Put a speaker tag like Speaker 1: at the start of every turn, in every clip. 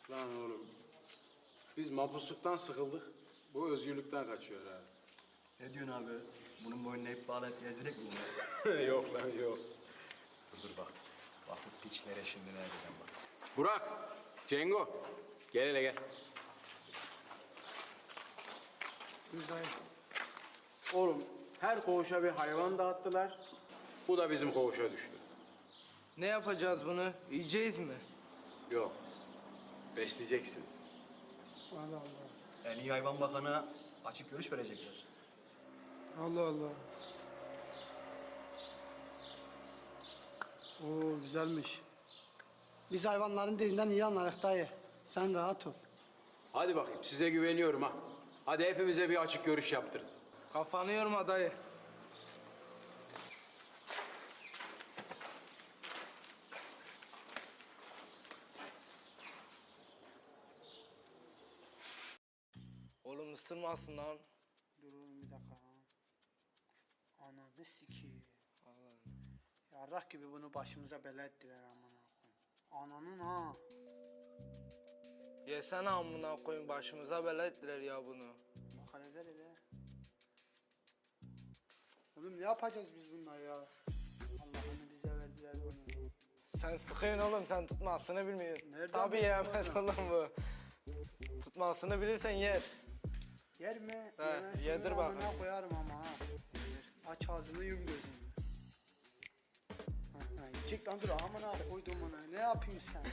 Speaker 1: Lan oğlum, biz mapusluktan sıkıldık, bu özgürlükten kaçıyor ha.
Speaker 2: Ne diyorsun abi? Bunun boynuna ip bağlayıp gezdirek mi bunu?
Speaker 1: Yok lan yok.
Speaker 2: Dur bak. Bak bu piçlere şimdi ne yapacağım bak.
Speaker 1: Burak, Cengo, gel hele gel.
Speaker 3: Buradayım.
Speaker 1: Oğlum, her koğuşa bir hayvan dağıttılar, bu da bizim koğuşa düştü.
Speaker 3: Ne yapacağız bunu? Yiyeceğiz mi?
Speaker 1: Yok, besleyeceksiniz.
Speaker 3: Allah Allah.
Speaker 2: En iyi hayvan bakana açık görüş verecekler.
Speaker 3: Allah Allah. Oo güzelmiş. Biz hayvanların dilinden iyi anlarız dayı. Sen rahat ol.
Speaker 1: Hadi bakayım, size güveniyorum ha. Hadi hepimize bir açık görüş yaptırın.
Speaker 3: Kafanı yorma dayı. Oğlum ısırmasın lan.
Speaker 4: Dur oğlum bir dakika. Ananı sikeyim.
Speaker 3: Allah'ım.
Speaker 4: Yarrak gibi bunu başımıza bela ettiler amına koyayım. Ananın ha.
Speaker 3: Yesene amına koyun, başımıza bela ettiler ya bunu.
Speaker 4: Bak hele ver hele. Oğlum ne yapacağız biz bunlar ya? Allah'ını bize verdiler bunu.
Speaker 3: Sen sıkıyorsun oğlum, sen tutmasını bilmiyorsun.
Speaker 4: Nereden
Speaker 3: Tabii
Speaker 4: biliyorsun
Speaker 3: yemez
Speaker 4: oğlum?
Speaker 3: oğlum bu. Tutmasını bilirsen yer.
Speaker 4: Yer mi?
Speaker 3: He,
Speaker 4: Yemezsin
Speaker 3: yedir
Speaker 4: mi?
Speaker 3: bakayım.
Speaker 4: Amına koyarım ama ha. Aç ağzını yum gözünü. Ha, yiyecek lan dur amına koydum ona. Ne yapıyorsun sen?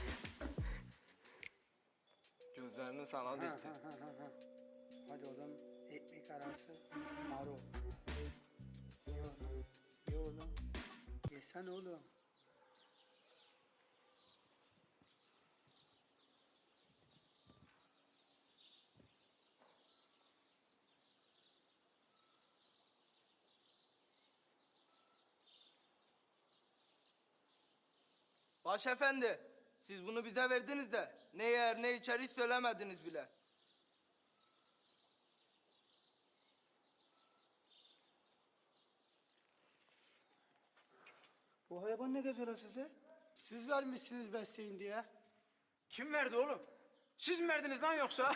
Speaker 3: Gözlerini sana
Speaker 4: Ha,
Speaker 3: dikti.
Speaker 4: ha. Hadi oğlum ekmek arası marul. Ye oğlum. Ye oğlum. Yesen oğlum.
Speaker 3: Başefendi, siz bunu bize verdiniz de ne yer ne içer hiç söylemediniz bile.
Speaker 4: Bu hayvan ne gezer size? Siz vermişsiniz besleyin diye.
Speaker 1: Kim verdi oğlum? Siz mi verdiniz lan yoksa?